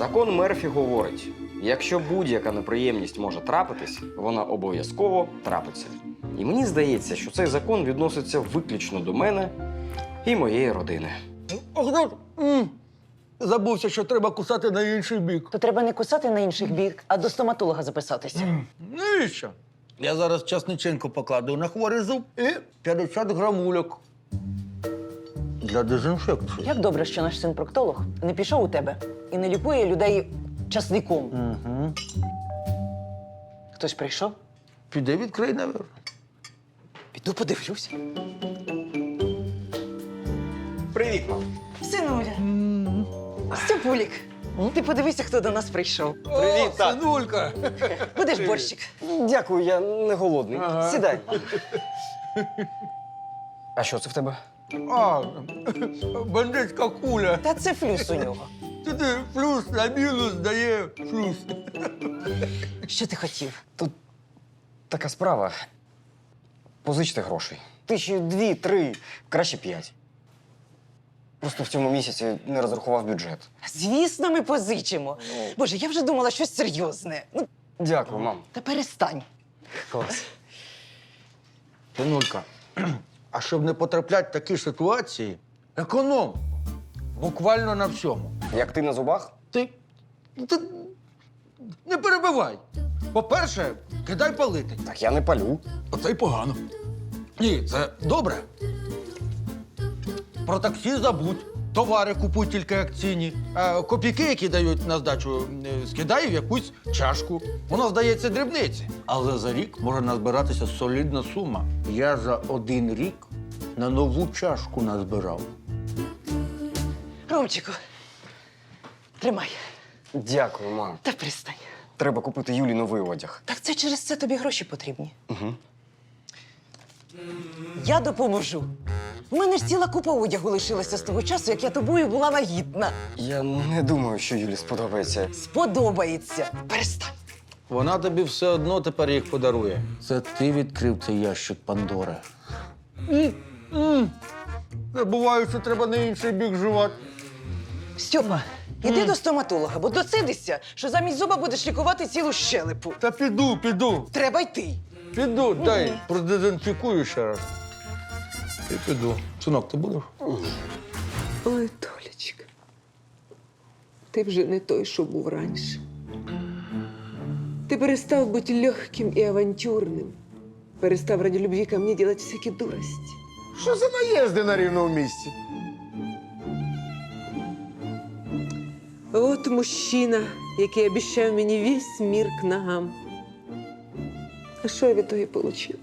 Закон Мерфі говорить, якщо будь-яка неприємність може трапитись, вона обов'язково трапиться. І мені здається, що цей закон відноситься виключно до мене і моєї родини. Забувся, що треба кусати на інший бік. То треба не кусати на інших бік, а до стоматолога записатися. Навіщо? Я зараз часниченко покладу на хворий зуб і 50 грамульок. Для дезінфекції. Як добре, що наш син проктолог не пішов у тебе і не лікує людей часником. Угу. Хтось прийшов? Піде відкрий, навіть. Піду подивлюся. Привіт, мам. Синуля. Степулік, ти подивися, хто до нас прийшов. Привіт, тат. Синулька! Будеш борщик? Дякую, я не голодний. Ага. Сідай. А що це в тебе? А, бандитська куля. Та це флюс у нього. Туди плюс на мінус дає плюс. Що ти хотів? Тут така справа. Позичте грошей. 1000, 2, 3, краще 5. Просто в цьому місяці не розрахував бюджет. Звісно, ми позичимо. Боже, я вже думала щось серйозне. Ну, Дякую, мам. та перестань. Клас. Синулька, а щоб не потрапляти в такі ситуації, економ. Буквально на всьому. Як ти на зубах? Ти не перебивай. По-перше, кидай палити. Так я не палю. Оце й погано. Ні, це добре. Про таксі забудь. Товари купуй тільки акційні. А копійки, які дають на здачу, скидай в якусь чашку. Воно здається дрібниці. Але за рік може назбиратися солідна сума. Я за 1 рік на нову чашку назбирав. Ромчику, тримай. Дякую, мам. Та перестань. Треба купити Юлі новий одяг. Так це через це тобі гроші потрібні. Угу. Я допоможу. У мене ж ціла купа одягу лишилася з того часу, як я тобою була вагітна. Я не думаю, що Юлі сподобається. Сподобається. Перестань. Вона тобі все одно тепер їх подарує. Це ти відкрив цей ящик Пандори. Забуваю, що треба на інший бік жувати. Стьопа, іди до стоматолога, бо доцидишся, що замість зуба будеш лікувати цілу щелепу. Та піду. Треба йти. Піду, дай продезінфікую ще раз. І піду. Синок, ти будеш? Ой, Толечка, ти вже не той, що був раніше. Ти перестав бути легким і авантюрним. Перестав ради любви ко мне делать всякі дурості. Що за наїзди на рівному місці? От мужчина, який обіцяв мені весь мір к ногам. А що я від того отримав?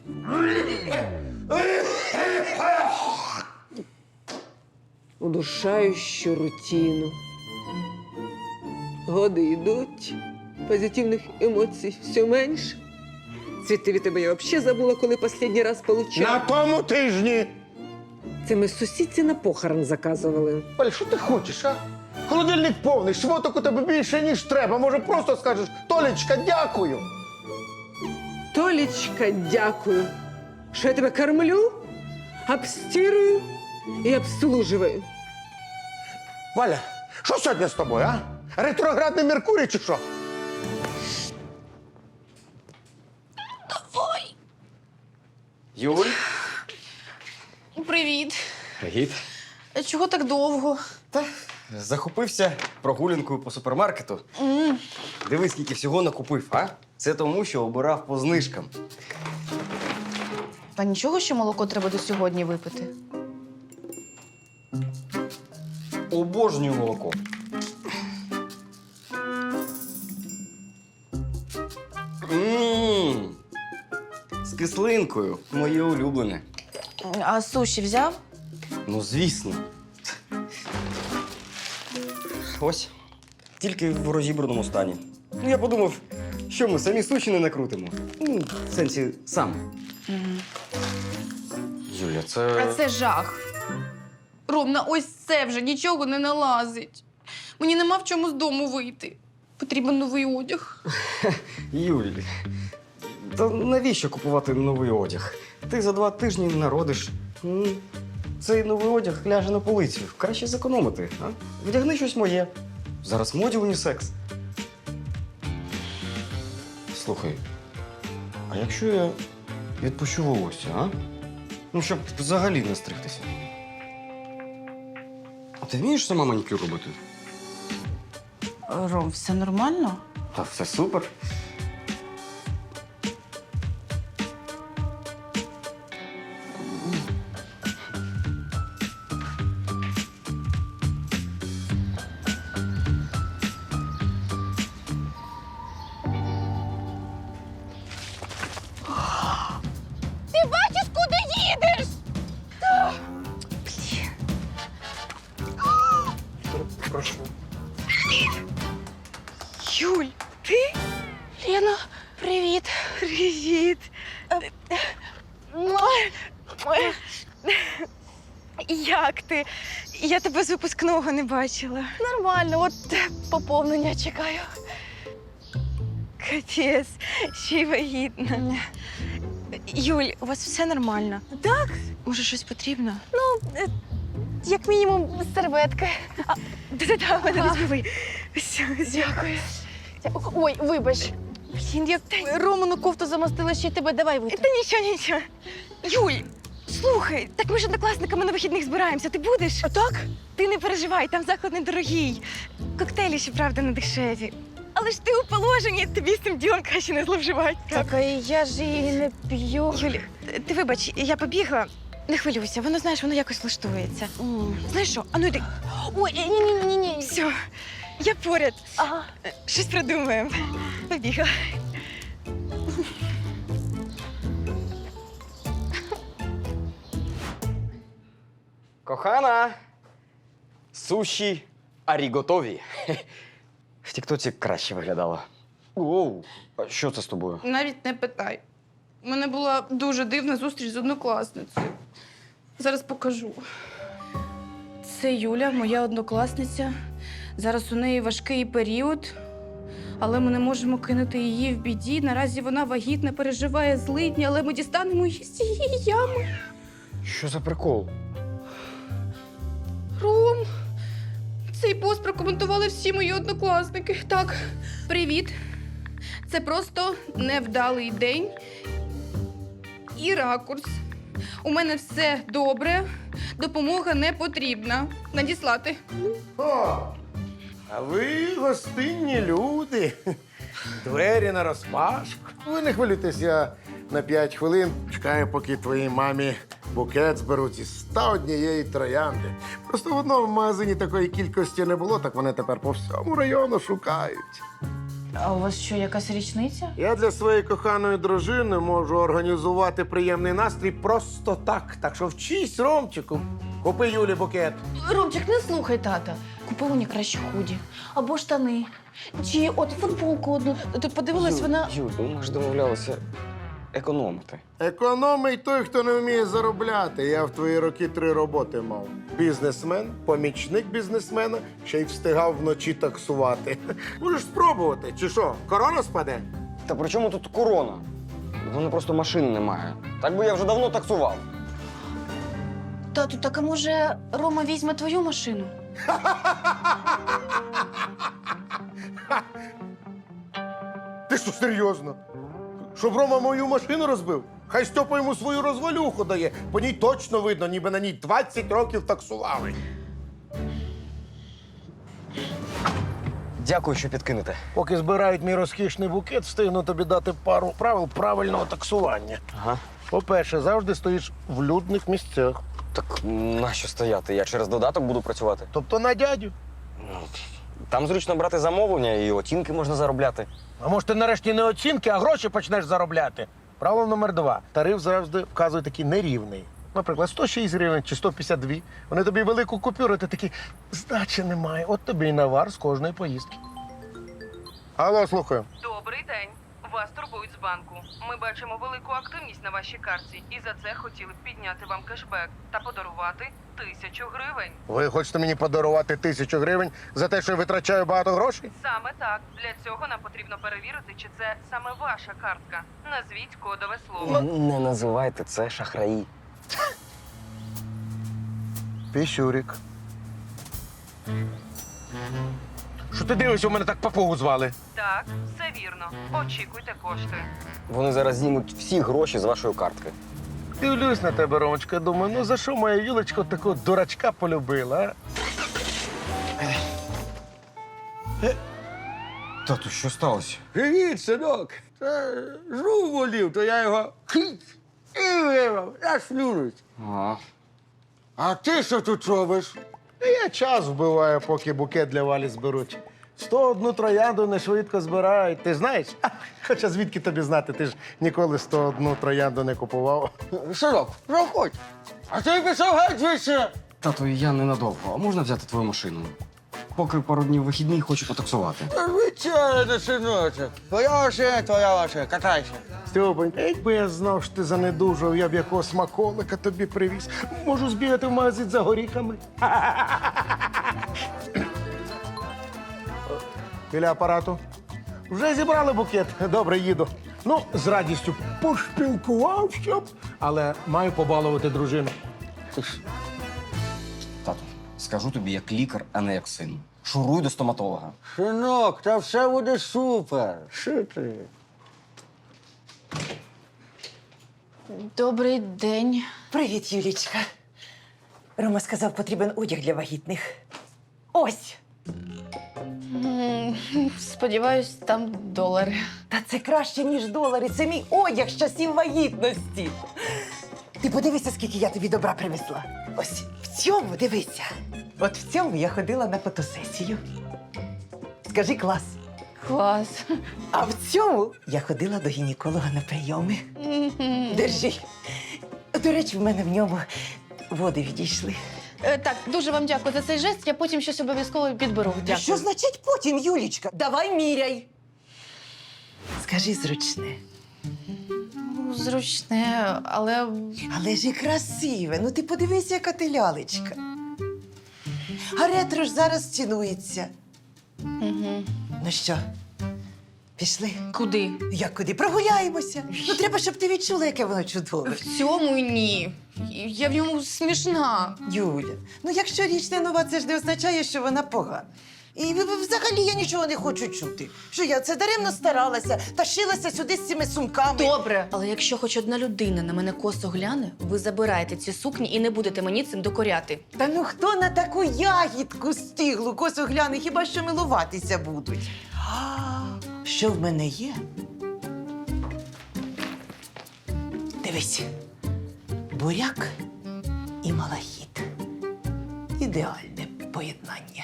Удушающую рутину. Годи йдуть, позитивних емоцій все менше. Цвіти від тебе я взагалі забула, коли останній раз получила. На тому тижні! Це ми сусідці на похорон заказували. Оль, що ти хочеш, а? Холодильник повний, шмоток у тебе більше, ніж треба. Може, просто скажеш: Толечка, дякую. Толечка, дякую, що я тебе кормлю, обстирую і обслуживаю. Валя, що сьогодні з тобою, а? Ретроградний Меркурій чи що? Юль? Привіт. Привіт. Чого так довго? Та захопився прогулянкою по супермаркету. Дивись, скільки всього накупив, а? Це тому, що обирав по знижкам. Та нічого, що молоко треба до сьогодні випити. Обожнюю молоко. Мм. З кислинкою. Моє улюблене. А суші взяв? Ну, звісно. Ось. Тільки в розібраному стані. Ну, я подумав, що ми самі суші не накрутимо. Ну, в сенсі, сам. Юля, це... А це жах. Ром, на ось це вже нічого не налазить. Мені нема в чому з дому вийти. Потрібен новий одяг. Юль, та навіщо купувати новий одяг? Ти за 2 тижні народиш. Цей новий одяг ляже на полицю. Краще зекономити, а? Вдягни щось моє. Зараз в моді унісекс. Слухай, а якщо я відпущу волосся, а? Ну, щоб взагалі не стригтися. А ти вмієш сама манікюр робити? Ром, все нормально? Та все супер. Ти бачиш, куди їдеш? Юль, ти? Лена, привіт. Привіт. Як ти? Я тебе з випускного не бачила. Нормально, от поповнення чекаю. Капець, ще й вагітна. Юль, у вас все нормально? Так, Може, щось потрібно? як мінімум, серветки. Да-да-да, мене не збивай. Все, Дякую. Ой, вибач. Блін, я... Роману кофту замастила, ще й тебе давай витру. Та нічого. Юль, слухай, так ми ж однокласниками на вихідних збираємося. Ти будеш? А так? Ти не переживай, там заклад недорогий. Коктейлі, щоправда, не дешеві. Але ж ти у положенні, тобі з цим ділом краще не зловживати. Так, а я ж її не п'ю. Юль, ти вибач, я побігла. Не хвилюйся, воно, знаєш, воно якось влаштується. Знаєш що, а ну йди. Ой, ні. Все, я поряд. Ага. Щось придумаємо. Побігла. Кохана! Суші аріготові. В тіктоці краще виглядало. Оу, а що це з тобою? Навіть не питай. У мене була дуже дивна зустріч з однокласницею. Зараз покажу. Це Юля, моя однокласниця. Зараз у неї важкий період, але ми не можемо кинути її в біді. Наразі вона вагітна, переживає злидні, але ми дістанемо її з цієї ями. Що за прикол? Ром, цей пост прокоментували всі мої однокласники. Так, привіт. Це просто невдалий день і ракурс. У мене все добре, допомога не потрібна. Надіслати. О, а ви гостинні люди. Двері наразпашку. Ви не хвилюйтесь, я на 5 хвилин чекаю, поки твоїй мамі букет зберуть із 101 троянди. Просто в одному магазині такої кількості не було, так вони тепер по всьому району шукають. А у вас що, якась річниця? Я для своєї коханої дружини можу організувати приємний настрій просто так. Так що вчись, Ромчику. Купи Юлі букет. Ромчик, не слухай тата. Купи мені краще худі. Або штани. Чи от футболку одну. Тут подивилась, вона. Юль, ми ж домовлялися економити. Економий той, хто не вміє заробляти. Я в твої роки 3 роботи мав. Бізнесмен, помічник бізнесмена, ще й встигав вночі таксувати. Можеш спробувати, чи що, корона спаде? Та при чому тут корона? У мене просто машини немає. Так би я вже давно таксував. Тату, так а може Рома візьме твою машину? Ти що, серйозно? Щоб Рома мою машину розбив? Хай Стьопа йому свою розвалюху дає. По ній точно видно, ніби на ній 20 років таксували. Дякую, що підкинете. Поки збирають мій розкішний букет, встигну тобі дати пару правил правильного таксування. Ага. По-перше, завжди стоїш в людних місцях. Так нащо стояти? Я через додаток буду працювати. Тобто на дядю. Там зручно брати замовлення і оцінки можна заробляти. А може ти нарешті не оцінки, а гроші почнеш заробляти? Правило номер 2. Тариф завжди вказує такий нерівний. Наприклад, 106 гривень чи 152. Вони тобі велику купюру, ти такий, здачі немає. От тобі і навар з кожної поїздки. Алло, слухаю. Добрий день. Вас турбують з банку. Ми бачимо велику активність на вашій картці і за це хотіли б підняти вам кешбек та подарувати 1000 гривень. Ви хочете мені подарувати 1000 гривень за те, що я витрачаю багато грошей? Саме так. Для цього нам потрібно перевірити, чи це саме ваша картка. Назвіть кодове слово. Не називайте це шахраї. Піщурик. Що ти дивишся, у мене так папугу звали? Так, все вірно. Очікуйте кошти. Вони зараз знімуть всі гроші з вашої картки. Дивлюсь на тебе, Ромочка, думаю, ну за що моя Юлечка такого дурачка полюбила, а? Тату, що сталося? Привіт, синок. Жук болів, то я його і вирвав, аж плюнуть. Ага. А ти що тут робиш? Я час вбиваю, поки букет для Валі зберуть. 101 троянду не швидко збирають. Ти знаєш? Хоча звідки тобі знати, ти ж ніколи 101 троянду не купував. Синок, проходь. А ти пішов геть звідси. Тату, я ненадовго. А можна взяти твою машину? Поки пару днів вихідний, хочу потаксувати. Звичайно, синочок. Твоя машина, катайся. Стьопонька, якби я знав, що ти занедужав, я б якого смаколика тобі привіз. Можу збігати в магазин за горіхами. Біля апарату. Вже зібрали букет. Добре, їду. Ну, з радістю пошпілкувався, але маю побалувати дружину. Тату, скажу тобі як лікар, а не як син. Шуруй до стоматолога. Синок, та все буде супер. Що ти? Добрий день. Привіт, Юлічка. Рома сказав, потрібен одяг для вагітних. Ось. Сподіваюсь, там долари. Та це краще, ніж долари. Це мій одяг з часів вагітності. Ти подивися, скільки я тобі добра привезла. Ось в цьому дивися. От в цьому я ходила на фотосесію. Скажи клас. Клас. А в цьому я ходила до гінеколога на прийоми. Держи. До речі, в мене в ньому води відійшли. Так, дуже вам дякую за цей жест. Я потім щось обов'язково підберу. Та Дякую. що значить потім, Юлічка? Давай міряй. Скажи зручне. Ну, зручне, але Але ж і красиве. Ну ти подивися, яка ти лялечка. А ретро ж зараз цінується. Ну що, пішли? куди? Як куди? Прогуляємося. Ну треба, щоб ти відчула, яке воно чудове. В цьому ні. Я в ньому смішна. Юля, ну якщо річ не нова, це ж не означає, що вона погана. І взагалі я нічого не хочу чути. Що я це даремно старалася, тащилася сюди з цими сумками. Добре. Але якщо хоч одна людина на мене косо гляне, ви забираєте ці сукні і не будете мені цим докоряти. Та ну хто на таку ягідку стиглу косо гляне, хіба що милуватися будуть? Що в мене є? Дивись. Буряк і малахіт. Ідеальне поєднання.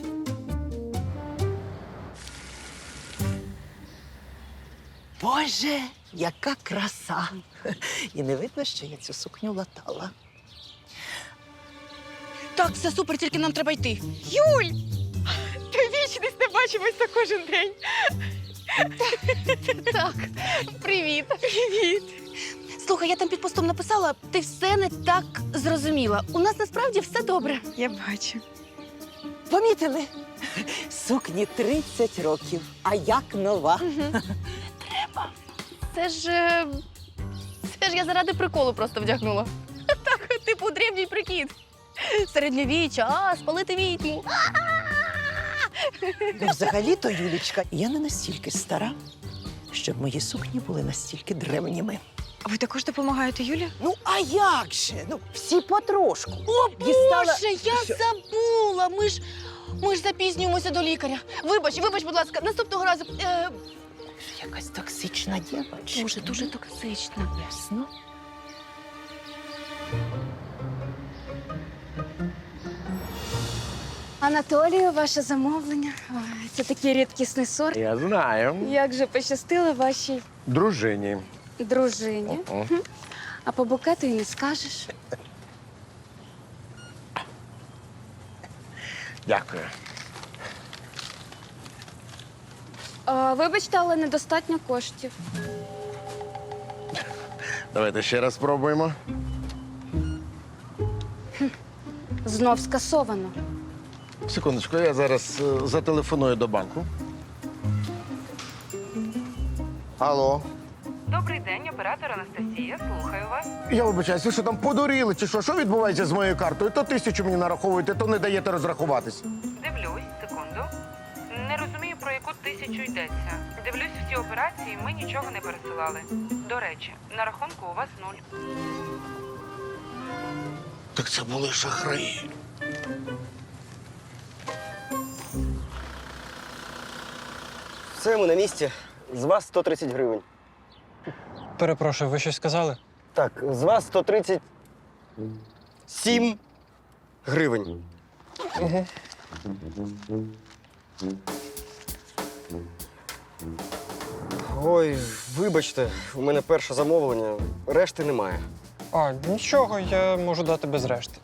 Боже, яка краса! І не видно, що я цю сукню латала. Так, все супер, тільки нам треба йти. Юль! Ти вічність не бачимося кожен день. Так, привіт. Привіт. Слухай, я там під постом написала, ти все не так зрозуміла. У нас насправді все добре. Я бачу. Помітили? Сукні 30 років, а як нова. Це ж я заради приколу просто вдягнула. Так, типу древній прикид. Середньовіччя, спалити відьму. Ну, взагалі-то, Юлічка, я не настільки стара, щоб мої сукні були настільки древніми. А ви також допомагаєте Юлі? Ну, а як же? Ну, всі потрошку. О, Боже, я забула! Ми ж запізнюємося до лікаря. Вибач, будь ласка, наступного разу. Якась токсична дівчинка. Дуже токсично. Ясно. Анатолію, ваше замовлення. Ой, це такий рідкісний сорт. Я знаю. Як же пощастило вашій Дружині. дружині. А по букету і не скажеш. Дякую. Вибачте, але недостатньо коштів. Давайте ще раз спробуємо. Знов скасовано. Секундочку, я зараз зателефоную до банку. Алло. Добрий день, оператор Анастасія. Слухаю вас. Я вибачаюсь, ви що там подуріли чи що? Що відбувається з моєю картою? То 1000 мені нараховуєте, то не даєте розрахуватись. Дивлюсь, секунду. 1000 йдеться. Дивлюсь всі операції, ми нічого не пересилали. До речі, на рахунку у вас 0. Так це були шахраї. Все, ми на місці. З вас 130 гривень. Перепрошую, ви щось сказали? Так, з вас 137 гривень. Ой, вибачте, у мене перше замовлення, решти немає. А, нічого, я можу дати без решти.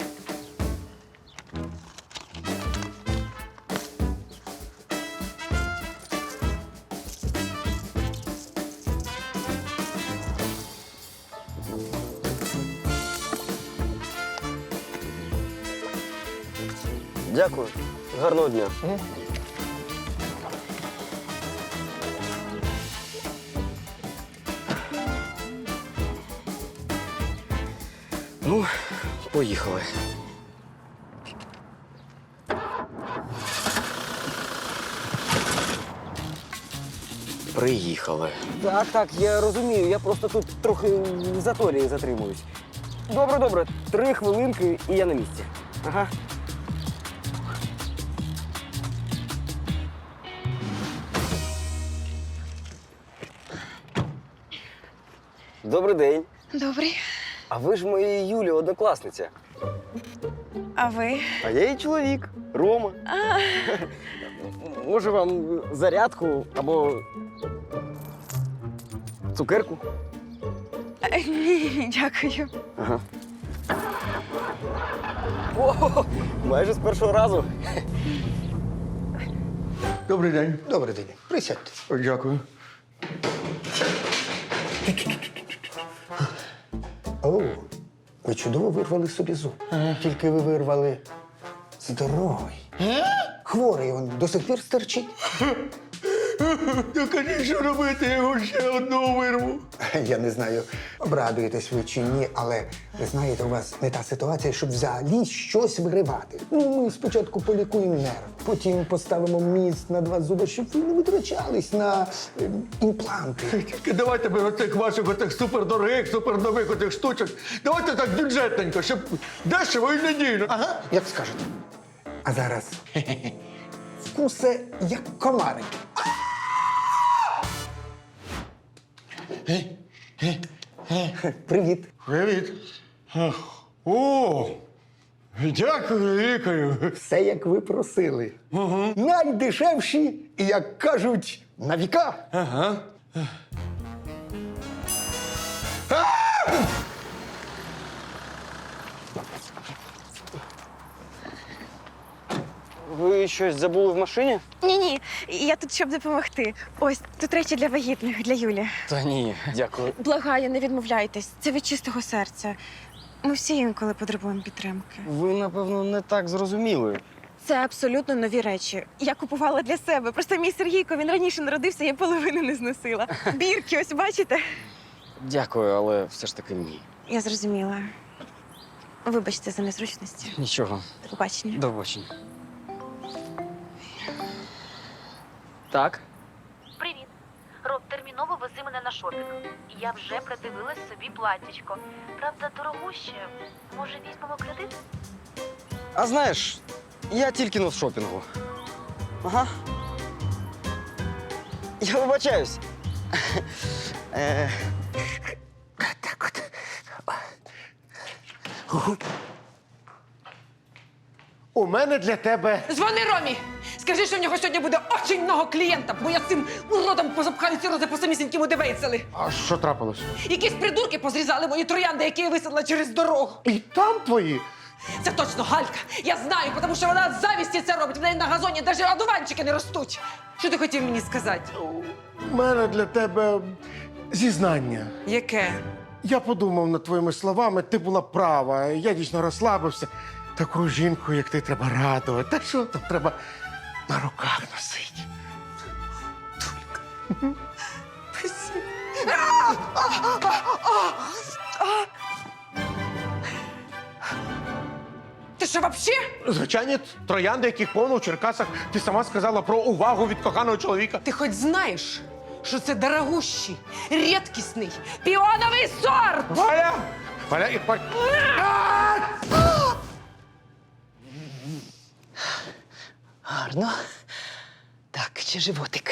Дякую. Гарного дня. Ну, поїхали. Приїхали. Так, я розумію. Я просто тут трохи в заторі затримуюсь. Добре. 3 хвилинки і я на місці. Ага. Добрий день. Добрий. А ви ж моєї Юлі однокласниця. А ви? А я її чоловік, Рома. Може вам зарядку або цукерку? Ні, дякую. Ага. О, майже з першого разу. Добрий день. Добрий день. Присядьте. Дякую. О, ви чудово вирвали собі зуб. Тільки ви вирвали здоровий. Хворий він до сих пір стерчить. Я кажіть, що робити, я його ще одного вирву. Я не знаю, обрадуєтесь ви чи ні, але ви знаєте, у вас не та ситуація, щоб взагалі щось виривати. Ну, ми спочатку полікуємо нерв, потім поставимо міст на 2 зуби, щоб ви не витрачались на імпланти. Тільки давайте без оцих ваших отих супердорогих, супернових отих штучок. Давайте так бюджетненько, щоб дешево і надійно. Ага, як скажете. А зараз вкуси як комарики. Привіт. Привіт. О, дякую, лікарю. Все, як ви просили. Найдешевші і, як кажуть, на віка. Ага. Ви щось забули в машині? Ні, я тут, щоб допомогти. Ось, тут речі для вагітних, для Юлі. Та ні, дякую. Благаю, не відмовляйтесь. Це від чистого серця. Ми всі інколи потребуємо підтримки. Ви, напевно, не так зрозуміли. Це абсолютно нові речі. Я купувала для себе. Просто мій Сергійко, він раніше народився, я половину не зносила. Бірки, ось бачите? Дякую, але все ж таки ні. Я зрозуміла. Вибачте за незручності. Нічого. До побачення. До побачення. Так? Привіт. Роб, терміново вези мене на шопінг. Я вже придивилась собі платтячко. Правда, дорогуще. Може, візьмемо кредит? А знаєш, я тільки но з шопінгу. Ага. Я вибачаюсь. Так от. У мене для тебе Дзвони Ромі! Скажи, що в нього сьогодні буде очень много клієнтів, бо я з цим уродом позапхаю ці рози по самісінькому дивейцели. А що трапилось? Якісь придурки позрізали мої троянди, які я висадила через дорогу. І там твої. Це точно Галька. Я знаю, тому що вона з завісті це робить. В неї на газоні навіть одуванчики не ростуть. Що ти хотів мені сказати? У мене для тебе зізнання. Яке? Я подумав над твоїми словами, ти була права. Я дійсно розслабився. Таку жінку, як ти, треба радувати. Та що там треба на руках носити? Ти що взагалі? Звичайні троянди, яких повно в Черкасах. Ти сама сказала про увагу від коханого чоловіка. Ти хоч знаєш, що це дорогущий, рідкісний, піоновий сорт? Валя! Валя, і Гарно. Так, чи животик?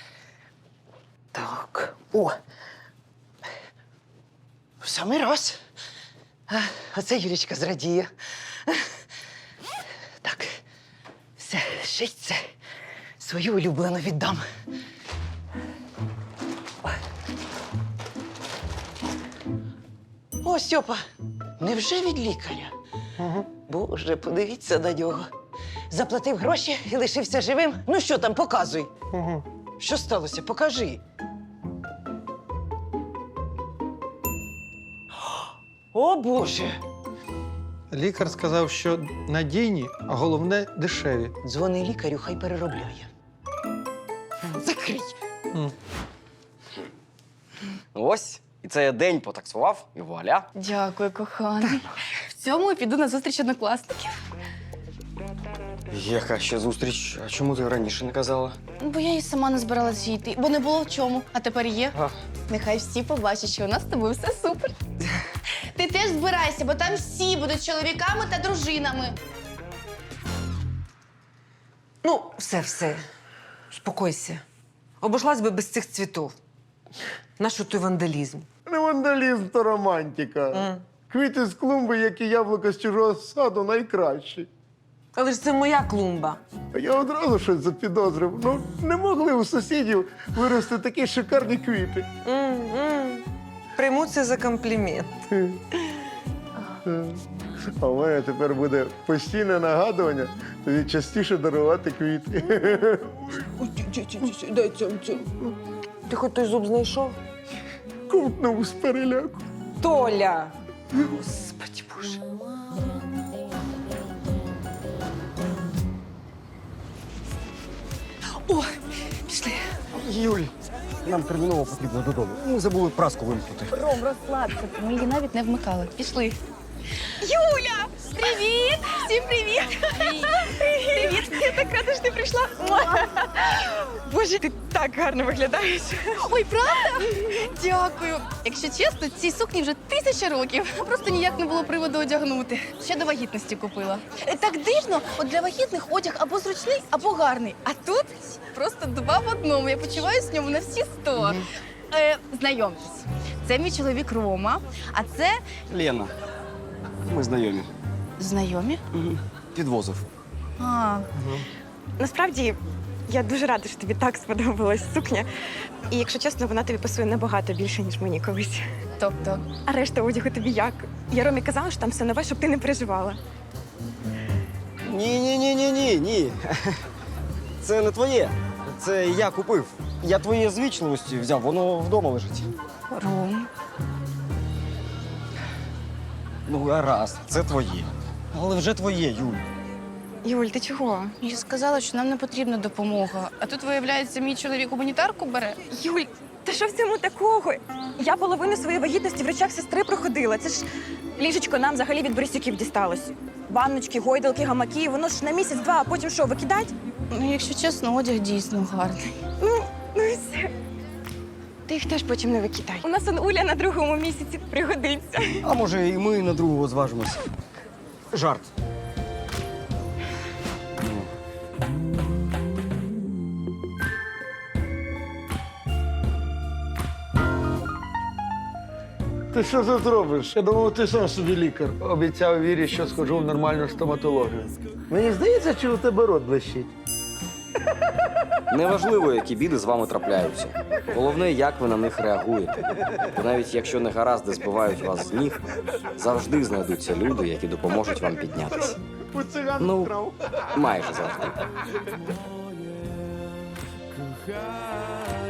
Так. О! В самий раз. Оце Юлічка зрадіє. Так. Все, ще й це. Свою улюблену віддам. О, Стьопа, невже від лікаря? Боже, подивіться на нього. Заплатив гроші і лишився живим. Ну що там, показуй. Що сталося? Покажи. О, Боже! Лікар сказав, що надійні, а головне дешеві. Дзвони лікарю, хай переробляє. Закрий. Ось, і це я день потаксував, і вуаля. Дякую, коханий. В цьому я піду на зустріч однокласників. Яка ще зустріч? А чому ти раніше не казала? Бо я і сама не збиралася йти, бо не було в чому. А тепер є. А. Нехай всі побачать, що у нас з тобою все супер. Ти теж збирайся, бо там всі будуть чоловіками та дружинами. Ну, все. Спокойся. Обошлась би без цих цвітів. Нащо той вандалізм? Не вандалізм, то романтика. Квіти з клумби, як і яблука з чужого саду, найкращі. Але ж це моя клумба. А я одразу щось запідозрив. Ну, не могли у сусідів вирости такі шикарні квіти. Прийму це за комплімент. А в мене тепер буде постійне нагадування тобі частіше дарувати квіти. Дай цьому. Ти хоч той зуб знайшов? Ковтнув з переляку. Толя! Господи Боже. О, пішли. Юль, нам терміново потрібно додому. Ми забули праску вимкнути. Ром, розслабся, ми її навіть не вмикали. Пішли. Юля! Привіт! Всім привіт! Привіт! Я так рада, що ти прийшла. Боже, ти так гарно виглядаєш. Ой, правда? Дякую. Якщо чесно, цій сукні вже 1000 років. Просто ніяк не було приводу одягнути. Ще до вагітності купила. Так дивно, от для вагітних одяг або зручний, або гарний. А тут просто 2 в одному. Я почуваюся в ньому на всі 100. Знайомтесь, це мій чоловік Рома, а це Лена, ми знайомі. знайомі. Підвозив. Насправді, я дуже рада, що тобі так сподобалась сукня. І, якщо чесно, вона тобі пасує набагато більше, ніж мені колись. Тобто, А решта одягу тобі як? Я Ромі казала, що там все нове, щоб ти не переживала. Ні. Це не твоє. Це я купив. Я твоє з вічливості взяв, воно вдома лежить. Ром. Ну, гаразд, це твоє. Але вже твоє, Юль. Юль, ти чого? Я сказала, що нам не потрібна допомога. А тут, виявляється, мій чоловік гуманітарку бере. Юль, та що в цьому такого? Я половину своєї вагітності в речах сестри проходила. Це ж ліжечко нам взагалі від Борисюків дісталось. Ванночки, гойдалки, гамаки, воно ж на місяць-два, а потім що, викидать? Ну, якщо чесно, одяг дійсно гарний. Ну і все. Ти їх теж потім не викидай. У нас он Уля на 2-му місяці пригодиться. А може, і ми на другого зважимося. Жарт. Ти що це зробиш? Я думав, ти сам собі лікар. Обіцяв Вірі, що схожу в нормальну стоматологію. Мені здається, чи у тебе рот блищить? Неважливо, які біди з вами трапляються. Головне, як ви на них реагуєте. Бо навіть якщо негаразди збивають вас з ніг, завжди знайдуться люди, які допоможуть вам піднятися. У циган Ну, вкрав. майже завжди.